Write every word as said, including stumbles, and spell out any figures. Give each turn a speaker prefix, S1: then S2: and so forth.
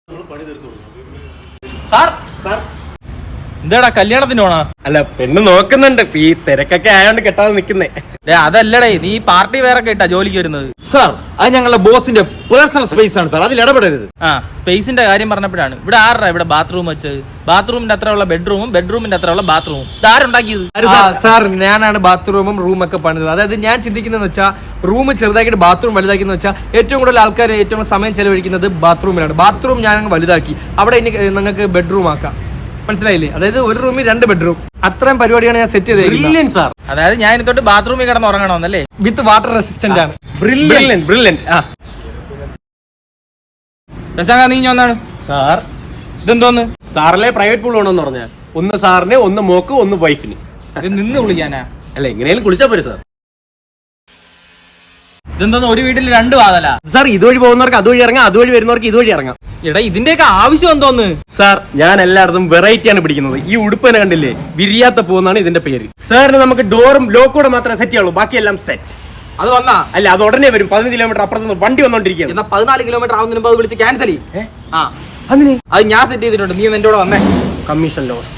S1: Sir sir എന്താടാ കല്യാണത്തിന് പോണോ?
S2: അല്ല പെണ്ണ് നോക്കുന്നുണ്ട്, ഈ തിരക്കൊക്കെ ആയോണ്ട് കെട്ടാതെ നിക്കുന്നേ.
S1: അതല്ലടേ, നീ പാർട്ടി വേറെ ഇട്ടാ ജോലിക്ക് വരുന്നത്.
S3: സാർ അത് ഞങ്ങളുടെ ബോസിന്റെ പേഴ്സണൽ സ്പേസ് ആണ് സാർ, അതിൽ ഇടപെടരുത്.
S1: ആ സ്പേസിന്റെ കാര്യം പറഞ്ഞപ്പോഴാണ് ഇവിടെ ആരുടെ ഇവിടെ ബാത്റൂം വെച്ചത്? ബാത്റൂമിന്റെ അത്ര ഉള്ള ബെഡ്റൂമും ബെഡ്റൂമിന്റെ അത്ര ഉള്ള ബാത്റൂമും ഇതാരുണ്ടാക്കിയത്?
S4: സാർ ഞാനാണ് ബാത്റൂമും റൂമൊക്കെ പണിതത്. അതായത് ഞാൻ ചിന്തിക്കുന്നതെന്ന് വെച്ചാൽ റൂം ചെറുതാക്കിയിട്ട് ബാത്റൂം വലുതാക്കിയെന്ന് വെച്ചാൽ ഏറ്റവും കൂടുതൽ ആൾക്കാർ ഏറ്റവും സമയം ചെലവഴിക്കുന്നത് ബാത്റൂമിലാണ്. ബാത്റൂം ഞാൻ വലുതാക്കി, അവിടെ ഇനി നിങ്ങൾക്ക് ബെഡ്റൂം ആക്കാം. മനസ്സിലായില്ലേ? അതായത് ഒരു റൂമിൽ രണ്ട് ബെഡ്റൂം, അത്രയും പരിപാടിയാണ് ഞാൻ സെറ്റ് ചെയ്തത്
S3: സാർ.
S1: അതായത് ഞാൻ ഇതൊട്ട് ബാത്റൂമിൽ കിടന്ന് ഉറങ്ങണമെന്നല്ലേ?
S4: വിത്ത് വാട്ടർ റെസിസ്റ്റന്റ് ആണ്.
S2: Brilliant brilliant. ആ
S1: ദശാങ്ക നീ ഒന്നാണ്
S2: സാർ.
S1: ഇതെന്തോന്ന്?
S2: സാറിലെ പ്രൈവറ്റ് പൂൾ വേണമെന്ന് പറഞ്ഞാൽ ഒന്ന് സാറിന്, ഒന്ന് മോക്ക്, ഒന്ന് വൈഫിന്.
S1: ഇത് നിന്ന് വിളിക്കാനാ?
S2: അല്ല എങ്ങനെയാലും കുളിച്ചാ പോരെ സാർ.
S1: ഇതെന്തോന്ന് ഒരു വീട്ടിൽ രണ്ട് വാതല?
S2: സാർ ഇതുവഴി പോകുന്നവർക്ക് അതുവഴി ഇറങ്ങാം, അതുവഴി വരുന്നവർക്ക് ഇതുവഴി ഇറങ്ങാം.
S1: എടാ ഇതിന്റെയൊക്കെ ആവശ്യം എന്തോന്ന്?
S2: സാർ ഞാൻ എല്ലായിടത്തും വെറൈറ്റി ആണ് പിടിക്കുന്നത്. ഈ ഉടുപ്പിനെ കണ്ടില്ലേ, വിരിയാത്ത പൂന്നാണ് ഇതിന്റെ പേര്. സാറിന് നമുക്ക് ഡോറും ലോക്കൂടെ മാത്രമേ സെറ്റ് ചെയ്യുള്ളൂ, ബാക്കിയെല്ലാം സെറ്റ്.
S1: അത് വന്നാ
S2: അല്ല അത് ഉടനെ വരും. പതിനഞ്ച് കിലോമീറ്റർ അപ്പുറത്ത് വണ്ടി വന്നോണ്ടിരിക്കുകയാണ്.
S1: എന്നാ പതിനാല് കിലോമീറ്റർ ആവുന്നതിന് മുമ്പ് അത് വിളിച്ച് ക്യാൻസൽ ചെയ്യും. ആ
S2: അതിന്
S1: അത് ഞാൻ സെറ്റ് ചെയ്തിട്ടുണ്ട്, നീ എന്റെ കൂടെ വന്നേ.
S2: Commission loss.